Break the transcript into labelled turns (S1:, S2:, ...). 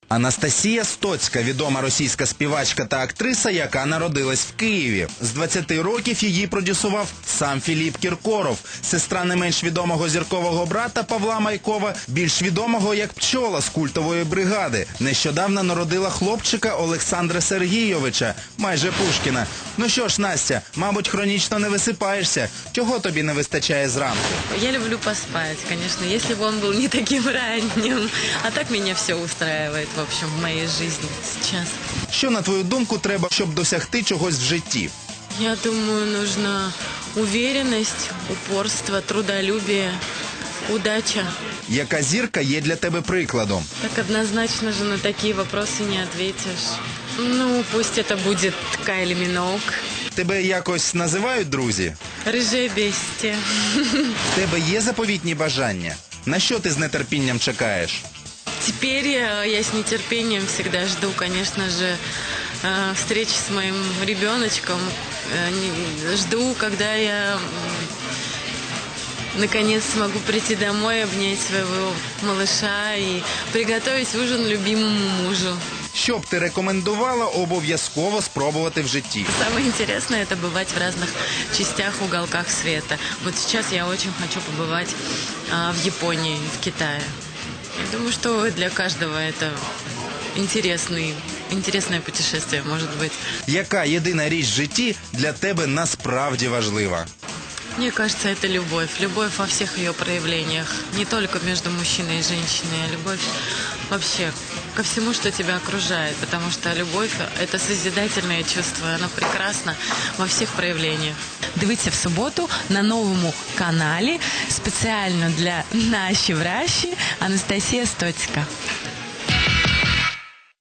S1: Анастасія Стоцька – відома російська співачка та актриса, яка народилась в Києві. З 20 років її продюсував сам Філіп Кіркоров, сестра не менш відомого зіркового брата Павла Майкова, більш відомого як Пчола з культової бригади. Нещодавно народила хлопчика Олександра Сергійовича, майже Пушкіна. Ну що ж, Настя, мабуть, хронічно не висипаєшся. Чого тобі не вистачає зранку?
S2: Я люблю поспать, конечно, если бы он был не таким ранним. А так меня все устраивает, в общем, в моей жизни сейчас.
S1: Що, на твою думку, треба, щоб досягти чогось в житті?
S2: Я думаю, нужна уверенность, упорство, трудолюбие, удача.
S1: Яка зірка є для тебе прикладом?
S2: Так однозначно же на такие вопросы не ответишь. Ну, пусть это будет Кайли Миноуг.
S1: Тебе якось називають друзі?
S2: Рыжее бестия.
S1: В тебе є заповітні бажання? На що ти з нетерпінням чекаєш?
S2: Теперь я с нетерпением всегда жду, конечно же, встречи с моим ребеночком. Жду, когда я наконец смогу прийти домой, обнять своего малыша и приготовить ужин любимому мужу.
S1: Що б ти рекомендувала обов'язково спробувати в житті?
S2: Самое интересное – это бывать в разных частях, уголках света. Вот сейчас я очень хочу побывать в Японии, в Китае. Я думаю, что для каждого это интересное путешествие может быть.
S1: Яка єдина річ в житті для тебе насправді важлива?
S2: Мне кажется, это любовь. Любовь во всех ее проявлениях. Не только между мужчиной и женщиной, а любовь вообще ко всему, что тебя окружает. Потому что любовь – это созидательное чувство. Оно прекрасно во всех проявлениях.
S3: Дивіться в суботу на новому каналі спеціально для наші вращі Анастасія Стоцька.